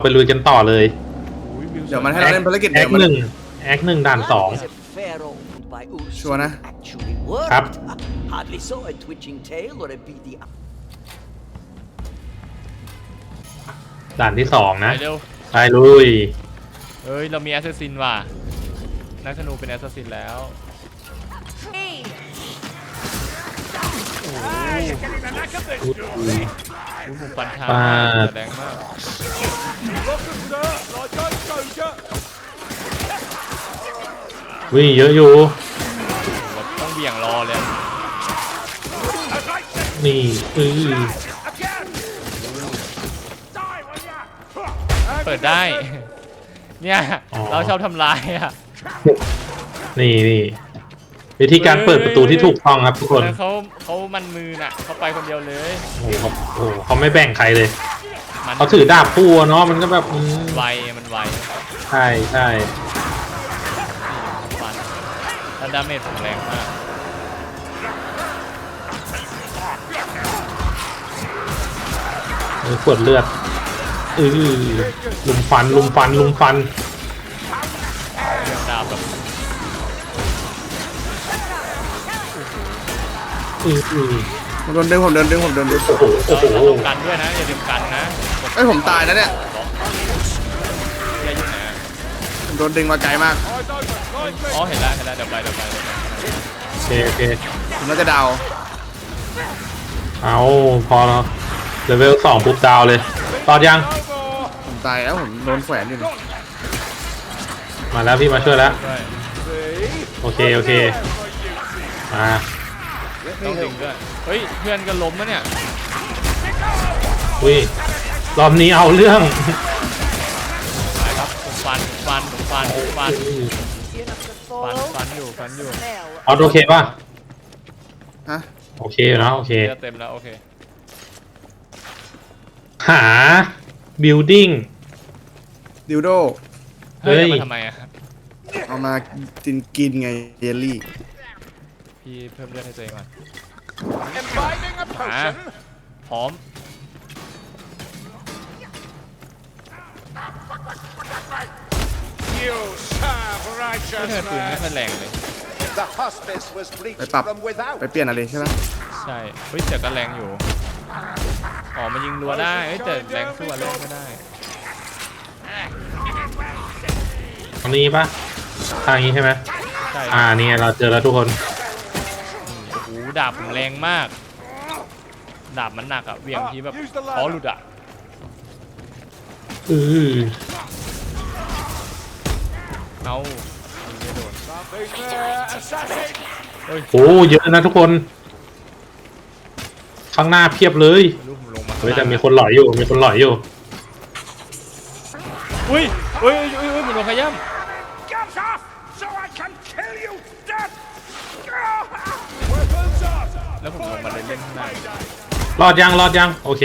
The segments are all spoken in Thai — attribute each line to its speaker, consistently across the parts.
Speaker 1: ไปลุยกันต่อเลย
Speaker 2: เดี๋ยวมันให้เราเล่นภารกิจ
Speaker 1: แอ
Speaker 2: เดี๋ย
Speaker 1: คว
Speaker 2: มัน
Speaker 1: หนึ่งแอคหนึ่งด่านสอง
Speaker 2: ชัวร์นะ
Speaker 1: ครับ
Speaker 3: Hardly saw a twitching tail or a beady
Speaker 1: ด่านที่สองนะ
Speaker 4: ไปเร็ว
Speaker 1: ไปลุย
Speaker 4: เฮ้ยเรามีแอสซัสซินว่ะนักธนูเป็นแอสซัสซินแล้วผมฟันช้ามากแรงมาก
Speaker 1: วิ่งเยอะอยู่
Speaker 4: เราต้องเบี่ยงรอเลย
Speaker 1: นี่
Speaker 4: เปิดได้เนี่ยเราชอบทำลายอ่ะ
Speaker 1: นี่วิธีการเปิดประตูที่ถูกต้องครับทุกคน
Speaker 4: แล้วเขามันมือน่ะเขาไปคนเดียวเลย
Speaker 1: โอ้โหเขาไม่แบ่งใครเลย
Speaker 4: มัน
Speaker 1: เขาถือดาบคู่เนาะมันก็แบบ
Speaker 4: ไวมันไว
Speaker 1: ใช่
Speaker 4: ฟันแล้วดาเมจผมแรงมาก
Speaker 1: ขวดเลือดลุมฟัน
Speaker 4: เรื่องดาบแบบ
Speaker 2: ผมโดนดึงผมโดนดึง
Speaker 1: โอ้โห
Speaker 4: เราต้องกันด้วยนะอย่าลืมกันนะ
Speaker 2: เอ้ยผมตายแล้วเนี่ย
Speaker 4: อย่ายุ่งนะ
Speaker 2: ผมโดนดึงมาไกลมาก
Speaker 4: อ๋อเห็นแล้วเดี๋ยวไป
Speaker 1: โอเค
Speaker 2: ผมน่าจะดาว
Speaker 1: เอาพอแล้วเลเวล2ปุ๊บดาวเลยตอดยัง
Speaker 2: ผมตายแล้วผมโดนแขวนอยู่นี่
Speaker 1: มาแล้วพี่มาช่วยแล้ว
Speaker 4: ด้วย
Speaker 1: โอเคมา
Speaker 4: ต้องดึงด้วยเฮ้ยเพื่อนก็ล้มแล้วเนี่ย
Speaker 1: อุ้ยรอบนี้เอาเรื่อง
Speaker 4: ไปครับผมฟันอยู่
Speaker 1: ออโอเคป่ะ
Speaker 2: ฮะ
Speaker 1: โอเคอยู่นะโอเค
Speaker 4: เลือดเต็มแล้วโอเค
Speaker 1: หา building
Speaker 2: ดิวโด
Speaker 1: เฮ้ย
Speaker 4: มาทำไมอะครับ
Speaker 2: เอามากินไงเยลลี่
Speaker 4: พี่เพิ่มเลือดให้ตัวเองก่อนพร้อมเธอปืนไม่ค่อยแรงเลย
Speaker 2: ไปปรับไปเปลี่ยนอะไรใช่ไหม
Speaker 4: ใช่เฮ้ยแต่ก็แรงอยู่อ๋อมันยิงรัวได้เฮ้ยแต่แรงสู้อะไรไม่ได้
Speaker 1: ตรงนี้ป่ะทางนี้ใช่ไหม
Speaker 4: ใช่
Speaker 1: นี่เราเจอแล้วทุกคน
Speaker 4: โอ้โหดาบผมแรงมากดาบมันหนักอะเหวี่ยงทีแบบคอหลุดอะ เอาไม่โดน
Speaker 1: โอ้เยอะนะทุกคนข้างหน้าเพียบเลย
Speaker 4: ลูกผมลงมา
Speaker 1: เฮ้ยแต่มีคนหลอยอยู่
Speaker 4: อุ้ยมันโดนขย้ำแล้วผมลงมาเล่นข้างใน
Speaker 1: รอดยังโอเค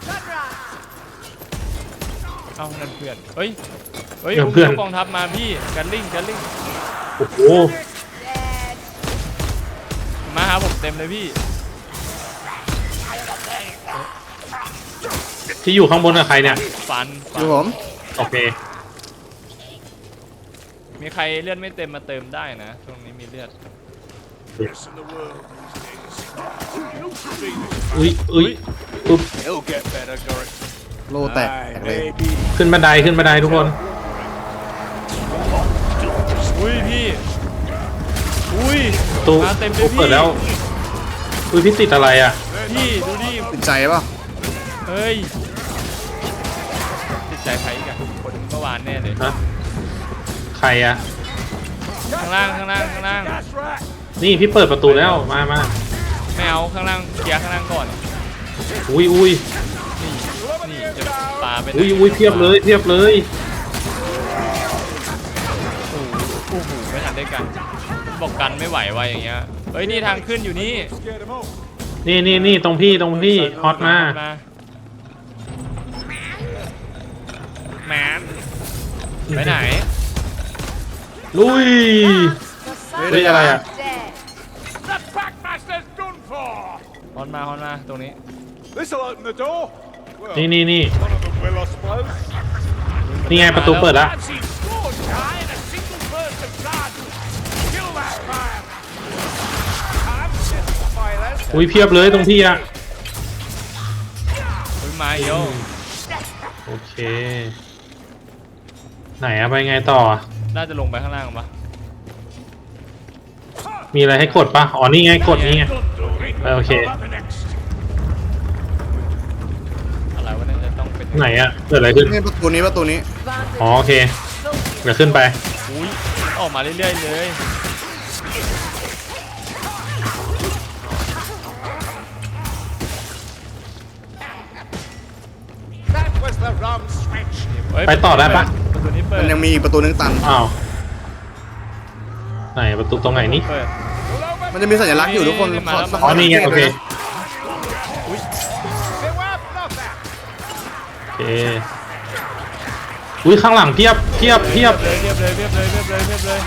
Speaker 4: เอ้านั่นเพื่อนเฮ้ย
Speaker 1: เพื่อน
Speaker 4: กองทัพมาพี่กันลิง
Speaker 1: โอ้โห
Speaker 4: มาหาผมเต็มเลยพี่
Speaker 1: ที่อยู่ข้างบนกับใครเนี่ย
Speaker 4: ฟัน
Speaker 2: คือผม
Speaker 1: โอเค
Speaker 4: มีใครเลือดไม่เต็มมาเติมได้นะตรงนี้มีเลือด
Speaker 1: อุ้ยปุ๊บ
Speaker 2: โลแตกเลย
Speaker 1: ขึ้นบันไดทุกคน
Speaker 4: อุ้ยพี่อุ้ย
Speaker 1: ตู้
Speaker 4: มาเต็มเลยพี่
Speaker 1: เปิดแล้วอุ้ยพี่ติดอะไรอ่ะ
Speaker 4: พี่ดูดิ
Speaker 2: ติดใจป่ะ
Speaker 4: เฮ้ยติดใจใครอีกอะคนเมื่อวานแน่เลย
Speaker 1: ฮะใครอ่ะ
Speaker 4: ข้างล่าง
Speaker 1: นี่พี่เปิดประตูแล้วมา
Speaker 4: ไม่เอาข้างล่างเคลียร์ข้างล่างก่อน
Speaker 1: อุ้ย
Speaker 4: นี่จะปาไปไหน
Speaker 1: อุ้ยเพียบเลย
Speaker 4: โอ้โหไม่ทันได้กันบอกกันไม่ไหววะอย่างเงี้ยเฮ้ยนี่ทางขึ้นอยู่นี่
Speaker 1: นี่ตรงพี่ฮอตมา
Speaker 4: แมนไปไหน
Speaker 1: ลุยเฮ้ยอะไรอ่ะ
Speaker 4: ฮอนมาตรงนี้
Speaker 1: นี่
Speaker 4: เ
Speaker 1: นี่ไงประตูเปิดแล้ว อุ้ยเพียบเลยตรงที่อะ
Speaker 4: อุ้ยมาโย
Speaker 1: โอเค ไหนอะไปไงต่อ
Speaker 4: น่าจะลงไปข้างล่างปะ
Speaker 1: มีอะไรให้กดปะอ๋อนี่ไงกดนี่ไงโอเค
Speaker 4: อะไรวะเนี่ยจะต้องเป็น
Speaker 1: ไหนอะเกิดอะไรขึ้น
Speaker 2: นี่ประตูนี้
Speaker 1: อ๋อโอเคเดี๋ยวขึ้นไป
Speaker 4: อุ้ยออกมาเรื่อยๆเลย
Speaker 5: That was the wrong switch.
Speaker 4: เฮ้ย
Speaker 1: ไปต่อได้ปะ
Speaker 4: ประตูนี้เปิ
Speaker 2: มั
Speaker 4: ด
Speaker 2: นยังมีอีกประตูนึงตัน
Speaker 1: อ้าวไหนประตูตรงไหนนี่
Speaker 4: เปิด
Speaker 2: มันจะมีสัญลักษณ์อยู่ทุกคน
Speaker 4: มาแล้ว
Speaker 1: อ๋อนี่ไงโอเค
Speaker 5: Beware Blother.
Speaker 1: โอเคอุ้ยข้างหลังเพียบเพียบเพียบ
Speaker 4: เรียบเลยเรียบเลยเรียบเลยเรียบเลย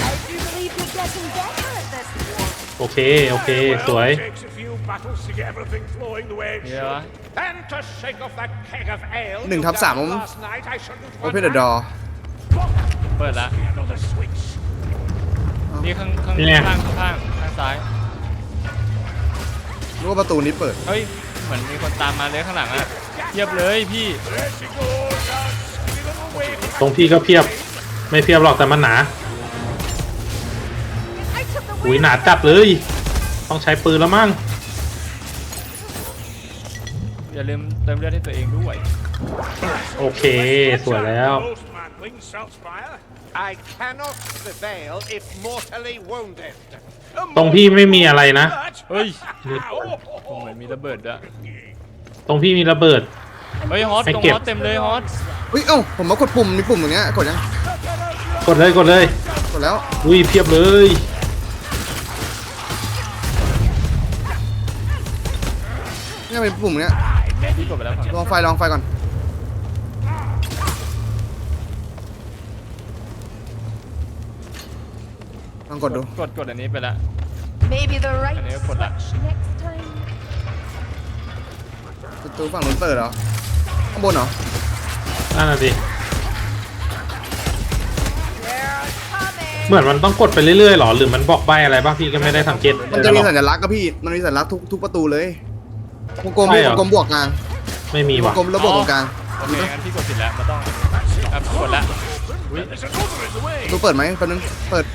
Speaker 1: โอเคโอเคสวย
Speaker 5: Takes a few battles to get everything flowing the way it
Speaker 4: เดี๋ยว
Speaker 5: should. And to shake off that keg of ale.
Speaker 2: 1/3
Speaker 5: Last night I shouldn't
Speaker 2: Open the door
Speaker 4: เปิดละ
Speaker 5: Another switch.
Speaker 4: นี่ข้างข้าง
Speaker 1: นี่ไง
Speaker 4: ข้างข้างข้างซ้าย
Speaker 2: รู้ว่าประตูนี้เปิด
Speaker 4: เฮ้ยเหมือนมีคนตามมาเลยข้างหลังอ่ะเทียบเลยพี่
Speaker 5: There she goes. Our silly little wave.
Speaker 1: ตรงพี่ก็เพียบ ไม่เพียบหรอกแต่มันหนาอุ้ยหนาจัดเลย ต้องใช้ปืนแล้วมั้ง
Speaker 4: อย่าลืมเติมเลือดให้ตัวเองด้วย
Speaker 1: โอเคสวยแล้ว
Speaker 5: Most manling, Saltzpyre. I cannot prevail if mortally wounded.
Speaker 1: ตรงพี่ไม่มีอะไรนะ
Speaker 4: เฮ้ยผมเหมือนมีระเบิดด้วย
Speaker 1: ตรงพี่มีระเบิด
Speaker 4: เฮ้ยฮอต
Speaker 1: ให้
Speaker 4: ตรง
Speaker 1: เก็บ
Speaker 4: ฮอตเต็มเลยฮอต
Speaker 2: เฮ้ยเอ้าผมมากดปุ่มมีปุ่มอย่างเงี้ยกดยัง
Speaker 1: กดเลยกดเลย
Speaker 2: กดแล้ว
Speaker 1: อุ้ยเพียบเลย
Speaker 2: เนี่ยเป็นปุ่มอย่างเงี้ย
Speaker 4: พี่กดไปแล้วครับ
Speaker 2: ลองไฟก่อนลองกดดู
Speaker 4: กดอันนี้ไปละ
Speaker 6: Maybe the right
Speaker 4: Ano yung pula?
Speaker 6: switch next time.
Speaker 2: ประตูฝั่งนู้นเปิดเหรอข้างบนเหรอ
Speaker 1: นั่นน่ะดิ
Speaker 6: They're coming.
Speaker 1: เหมือนมันต้องกดไปเรื่อยๆหรอหรือมันบอกใบอะไรบ้างพี่ก็ไม่ได้สังเกต
Speaker 2: มันจะมีสัญลักษณ์กับพี่มันมีสัญลักษณ์ทุกประตูเลยวงกลม
Speaker 1: ใช่เหรอ
Speaker 2: วงกลมบวกกลาง
Speaker 1: ไม่มี
Speaker 2: วง
Speaker 1: ว่ะ
Speaker 2: กลมแล้วบวกตรงกลาง
Speaker 4: โอเคงั้นพี่กดผิดแล้วมันต้องครับกดละอุ้ย
Speaker 5: There's another in the way.
Speaker 2: ประตูเปิดไหมแป๊บนึงเปิด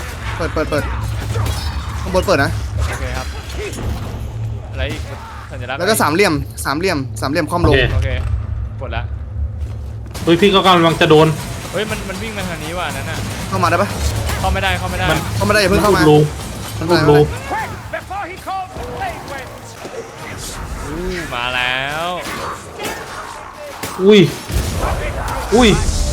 Speaker 2: ข้างบนเปิดนะ
Speaker 4: โอเคครับอะไรอีกสัญลักษณ์
Speaker 2: แล้วก็สามเหลี่ยมคว่ำลง
Speaker 4: โอเคกดละ
Speaker 1: เฮ้ยพี่ก็กำลังจะโดน
Speaker 4: เฮ้ยมันวิ่งมาทางนี้ว่ะนั่นน่ะ
Speaker 2: เข้ามาได้ปะ
Speaker 4: เข้าไม่ได้
Speaker 2: เข้าไม่ได้อย่าเพิ่งเข้ามา
Speaker 1: รู
Speaker 2: มัน
Speaker 1: รู
Speaker 2: มา
Speaker 1: รู
Speaker 5: Quick, before he calls the blade winds.
Speaker 4: อู้มาแล้ว
Speaker 1: อุ้ยอุ้ย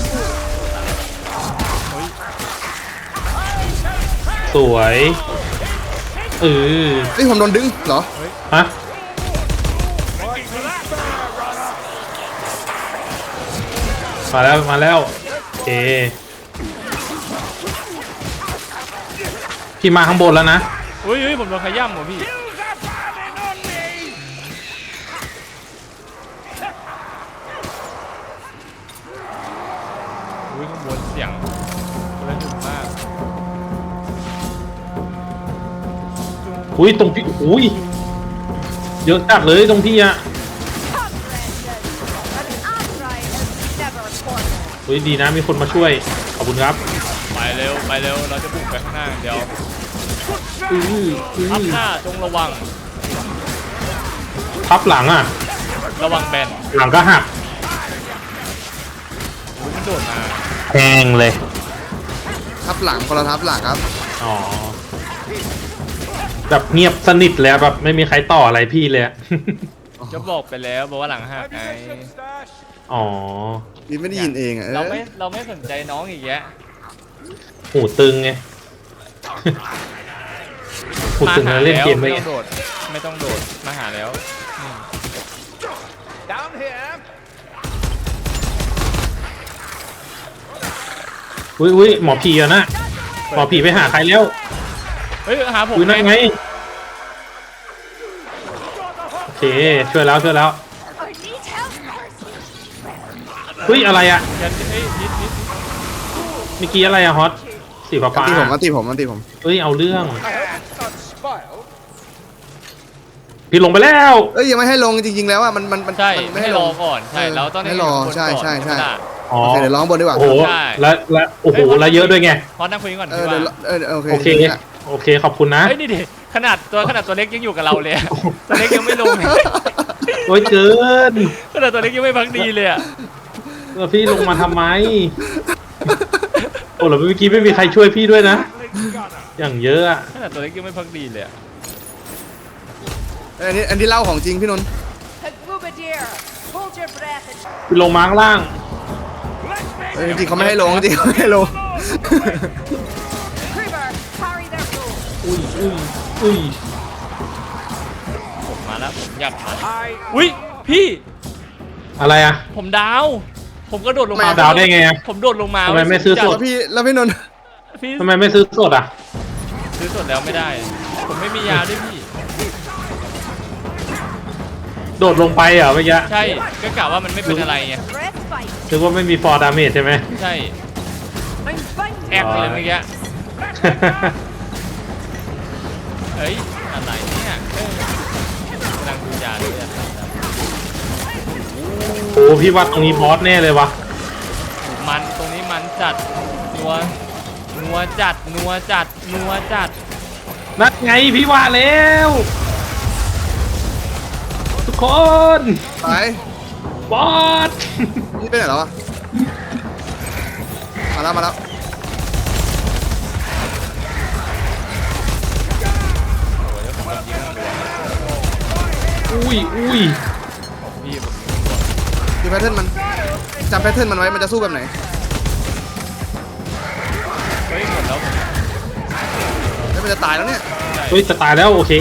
Speaker 1: สวยเออ
Speaker 2: เฮ้ยผมโดนดึงเหรอ
Speaker 1: ฮะมาแล้วโอเคพี่มาข้างบนแล้วนะ
Speaker 4: อุ้ยผมโดนขย้ำว่ะพี่
Speaker 5: Use a bargain on me.
Speaker 4: อุ้ยข้างบนเสียงระหึ่มมาก
Speaker 1: อุ้ยตรงพี่อุ้ยเยอะจัดเลยตรงพี่อะ
Speaker 6: Come, Brandon. An outright is never a corner.
Speaker 1: อุ้ยดีนะมีคนมาช่วยขอบคุณครับ
Speaker 4: ไปเร็วเราจะบุกไปข้างหน้าอย่างเดียว
Speaker 1: อื้อ
Speaker 4: ทับหน้าจงระวัง
Speaker 1: ทับหลังอ่ะ
Speaker 4: ระวังแบน
Speaker 1: หลังก็หัก
Speaker 4: อุ้ยมันโดดมา
Speaker 1: แพงเลย
Speaker 2: ทับหลังคนละทับหลังครับ
Speaker 1: อ๋อแบบเงียบสนิทเลยอะแบบไม่มีใครต่ออะไรพี่เลยอะ
Speaker 4: จะบอกไปแล้วบอกว่าหลังหัก
Speaker 5: Have
Speaker 4: ไง
Speaker 5: you got some stash?
Speaker 1: อ๋อ
Speaker 2: นี่ไม่ได้ยินเองอ่ะ
Speaker 4: เราไม่สนใจน้องอีกแยะ
Speaker 1: หูตึงไง หูตึงแล้วเล่นเกม
Speaker 4: ไม่
Speaker 1: ไม่
Speaker 4: ต้องโดดไม่ต้องโดดมาหาแล้ว
Speaker 5: Down here.
Speaker 1: อุ้ยหมอผีอะนะหมอผีไปหาใครแล้ว
Speaker 4: เฮ้ยหาผม
Speaker 1: อุ้ยนั่นไงโอเคช่วยแล้ว
Speaker 6: I need help.
Speaker 1: เฮ้ยอะไรอะ
Speaker 4: ยันเฮ้ยนิด
Speaker 1: เมื่อกี้อะไรอะฮอตสีฟ้า
Speaker 2: มันตีผมมันตีผมมันตีผม
Speaker 1: เฮ้ยเอาเรื่อง
Speaker 5: I hope it's not spoiled.
Speaker 1: พี่ลงไปแล้ว
Speaker 2: เอ้ยยังไม่ให้ลงจริงๆแล้วอ่ะมัน
Speaker 4: ใช่
Speaker 2: มันไม่
Speaker 4: ให้
Speaker 2: ให้
Speaker 4: ร
Speaker 2: ล
Speaker 4: อง ก่อนใช่เราต้อง
Speaker 2: ให้รอ
Speaker 4: คน
Speaker 2: ใช่
Speaker 4: ก่อน
Speaker 2: ใช่ใช่
Speaker 4: ธรรมดา
Speaker 1: อ๋อ
Speaker 2: โอเคเดี๋ยวร้องบนดีกว่า
Speaker 1: โอ้โห
Speaker 4: ใช่
Speaker 1: และโอ้โหแล้วเยอะด้วยไง
Speaker 4: พอนั่งคุยกันก่อน
Speaker 2: เอ
Speaker 4: พี่
Speaker 2: อ
Speaker 4: ว่า
Speaker 2: เดี๋ยวโอเค
Speaker 1: โอเคโอเคขอบคุณนะ
Speaker 4: เฮ้ยนี่ดิขนาดตัวเล็กยังอยู่กับเราเลยอะตัวเล็กยังไม่ลง
Speaker 1: โอ้ยเกิน
Speaker 4: ขนาดตัวเล็กยังไม่พักดีเลยอะ
Speaker 1: แล้วพี่ลงมาทำไมโอ้แล้วเมื่อกี้ไม่มีใครช่วยพี่ด้วยนะ อย่างเยอะอะ
Speaker 4: ขนาดตัวเล็กยังไม่พักดีเลยอะ
Speaker 2: อันนี้เล่าของจริงพี่นนท์
Speaker 6: Hagrubadir, hold your breath and
Speaker 1: พี่ลงมาข้างล่าง
Speaker 2: จริงๆเขาไม่ให้ลงจริงๆเขาไม่ให้ลง
Speaker 6: Creeper, carry their food.
Speaker 1: อุ้ย
Speaker 4: ผมมาแล้วผมอยากผ่าน
Speaker 5: I
Speaker 4: อุ้ยพี่
Speaker 1: อะไรอะ
Speaker 4: ผมดาว ผมก็โดดลงมา
Speaker 1: ดาวได้ไงอะ
Speaker 4: ผมโดดลงมา
Speaker 1: ทำไมไม่ซื้อสด
Speaker 2: แล้วพี่นนท์
Speaker 4: พี่
Speaker 1: ทำไมไม่ซื้อสดอะ
Speaker 4: ซื้อสดแล้วไม่ได้ ผมไม่มียาด้วยพี่
Speaker 1: โดดลงไปเหรอเมื่อกี้
Speaker 4: ใช่ก็กะว่ามันไม่เป็นอะไรไง
Speaker 6: Breath fight.
Speaker 1: นึกว่าไม่มีฟอร์ดาเมจใช่ไหม
Speaker 4: ใช่
Speaker 6: I'm fighting.
Speaker 4: แอกเลยเมื่อกี้เอ้ยอะไรเนี่ยกำลังดูยาด้วยอะ
Speaker 1: โอ้พี่ว่าตรงนี้บอสแน่เลยวะ
Speaker 4: มันตรงนี้มันจัดนัวจัด
Speaker 1: นั่นไงพี่ว่าแล้ว ทุกคน
Speaker 2: ไป
Speaker 1: บอส
Speaker 2: นี่ไปไหนแล้วอ่ะมาแล้ว
Speaker 1: อุ้ย
Speaker 4: พี่ผม
Speaker 2: ดูแพทเทิร์นมันจำแพทเทิร์นมันไว้มันจะสู้แบบไหน
Speaker 4: เฮ้ยหมดแล้ว
Speaker 2: แล้วมันจะตายแล้วเนี่ย
Speaker 1: เฮ้ยจะตายแล้วโอเค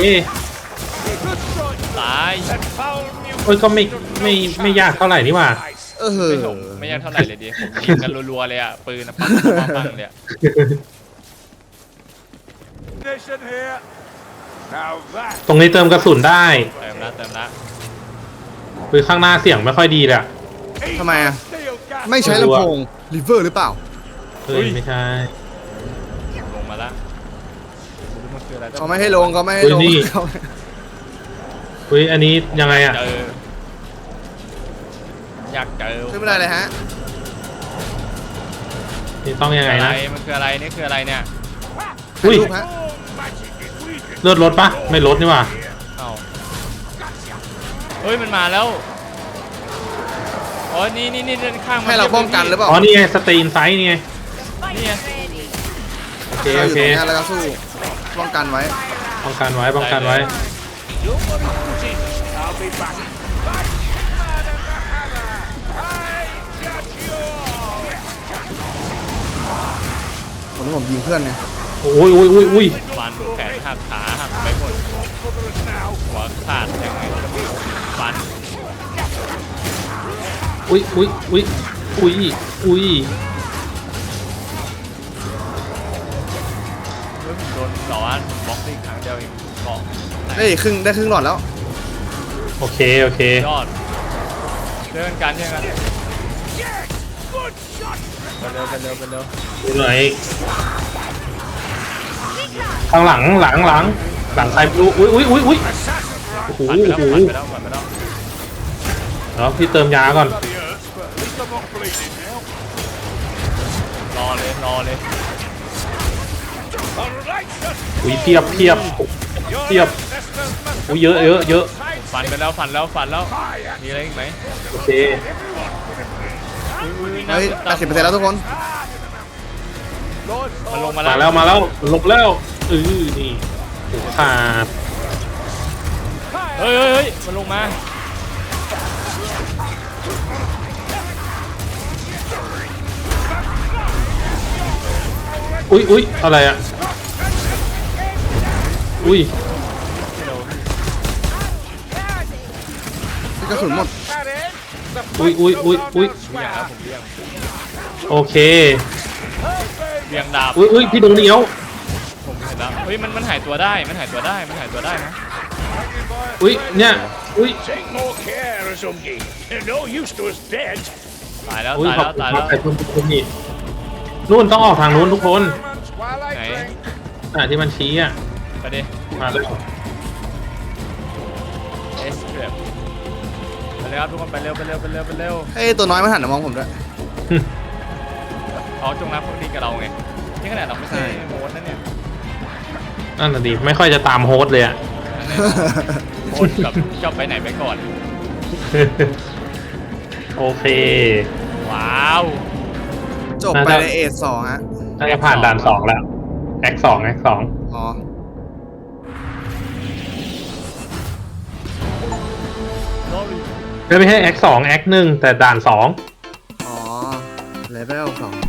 Speaker 4: ตาย
Speaker 5: foul new
Speaker 1: เฮ้ยก็ไม่ยากเท่าไหร่นี่หว่า
Speaker 2: เออ
Speaker 4: ไม่ถมไม่ยากเท่าไหร่เลยดิผมยิงกันรัวๆเลยอ่ะปืนอะปังเลยอะ
Speaker 5: mission here. Now that
Speaker 1: ตรงนี้เติมกระสุนได้
Speaker 4: เติมละ
Speaker 1: คือข้างหน้าเสียงไม่ค่อยดีเลยอะ
Speaker 2: ทำไมอ่ะ
Speaker 5: steel gas.
Speaker 2: ไม่ใช้ลำโพงรีเวอร์หรือเปล่า
Speaker 1: เฮ้ยไม่ใช่
Speaker 4: ลงมาละมันคืออะไร
Speaker 2: เขาไม่ให้ลงเขาไม่ให้ลง
Speaker 1: เฮ้ยอันนี้ยังไงอะ
Speaker 4: เจออยากเจอ
Speaker 2: ขึ้นไม่ได้เลยฮะ
Speaker 1: นี่ต้องยังไง
Speaker 4: อะไร
Speaker 1: นะ
Speaker 4: มันคืออะไรนี่คืออะไรเนี่ย
Speaker 1: อุ้ย
Speaker 2: รูปฮะ
Speaker 1: เลือดลดปะไม่ลดนี่หว่า
Speaker 4: เอ้าเฮ้ยมันมาแล้วอ๋อนี่ข้างมัน
Speaker 2: ให้เราป้องกันหรือเปล่า
Speaker 1: อ๋อนี่ไงสตรีนไซส์นี่ไง
Speaker 6: Fight
Speaker 4: Yeah.
Speaker 6: ready.
Speaker 1: โอเค
Speaker 2: เรา
Speaker 1: โอ
Speaker 2: อยู่
Speaker 1: เค
Speaker 2: ตรงนี้แล้วก็สู้ป้องกันไว้
Speaker 1: ป้องกันไว้ป้องกันไว้
Speaker 5: Don't worry, Putin. I'll be back. Back, man, and the hammer. I got you all.
Speaker 2: ผมยิงเพื่อนไง
Speaker 1: อุ้ย
Speaker 4: ฟันแขนหักขาหักไปหมด
Speaker 5: Cover us now.
Speaker 4: หัวขาดยังไงฟัน
Speaker 1: อุ้ย
Speaker 4: เฮ้ยผมโดนต่อว่าผมบล็อกได้อีกครั้งเดียวเองเกาะ
Speaker 2: ได้ครึ่งหลอดแล้ว
Speaker 1: โอเคโอเค
Speaker 4: ยอดเดินกันเดินกัน
Speaker 5: Yes! Good shot.
Speaker 4: ไปเร็ว
Speaker 1: ดูหน่อยข้างหลังใครไม่รู้อุ้ยโอ้โห
Speaker 4: ผ่านไปแล้ว
Speaker 1: แล้วพี่เติมยาก่อน
Speaker 5: Bloody hurts, but at least I'm not bleeding now.
Speaker 4: รอเลย
Speaker 5: All right, just
Speaker 1: อุ้ยเพียบ
Speaker 5: your
Speaker 1: Yep.
Speaker 5: ancestors must
Speaker 1: อุ้ยเยอะ
Speaker 4: ฟันไปแล้วมีอะไรอีกไหม
Speaker 1: โอเค
Speaker 2: เฮ้ย 80%แล้วทุกคน
Speaker 4: มันลงมา
Speaker 1: มา
Speaker 4: แล้ว
Speaker 1: แล้วลงแล้วนี่โอ้ขาด
Speaker 4: เฮ้ยมันลงมา
Speaker 1: อุ้ยอะไรอะอุ้ย
Speaker 2: กระสุนหมด
Speaker 1: อุ้ย
Speaker 4: เบี่ยงครับผมเบี่ยง
Speaker 1: โอเค
Speaker 4: เบี่ยงดาบ
Speaker 1: อุ้ยพี่โดนเหนียว
Speaker 4: ผมเห็นแล้วเฮ้ยมันหายตัวได้นะ
Speaker 1: อุ้ยเนี่ยอุ้ย
Speaker 5: Take more care, Azungi. They're no use to us dead.
Speaker 4: ตายแล้ว
Speaker 1: อุ้ย
Speaker 4: ตาย
Speaker 1: ขอบ
Speaker 4: แล้ว
Speaker 1: คุณ
Speaker 4: ตาย
Speaker 1: ครั
Speaker 4: แล้
Speaker 1: บ
Speaker 4: ว
Speaker 1: ไอ้คุณนี่นู่นต้องออกทางนู้นทุกคน
Speaker 5: Moments while I
Speaker 4: Okay.
Speaker 5: drink.
Speaker 1: ที่มันชี้อ่ะ
Speaker 4: ไปดิ
Speaker 1: มาเลย
Speaker 4: เอสเทรปไปเลยครับทุกคนไปเร็วไปเร็วไปเร็วไปเร็ว
Speaker 2: เฮ้ยตัวน้อยมันหันมามองผมด้วย
Speaker 4: เขาจงรักภักดีกับเราไงนี่ขนาดเราไม่ใช่โมดนะเนี่ย
Speaker 1: นั่นน่ะดิไม่ค่อยจะตามโฮสต์เลยอ่ะ
Speaker 4: โมดกับชอบไปไหนไปก่อน
Speaker 1: โอเค
Speaker 4: ว้าว
Speaker 2: จบไปในเอท2ฮะ
Speaker 1: น่าจะผ่านด่าน2แล้วแอค2แอค2
Speaker 2: อ๋อ
Speaker 1: ไม่ใช่แอค2แอค1แต่ด่าน2
Speaker 2: อ๋อเลเวล2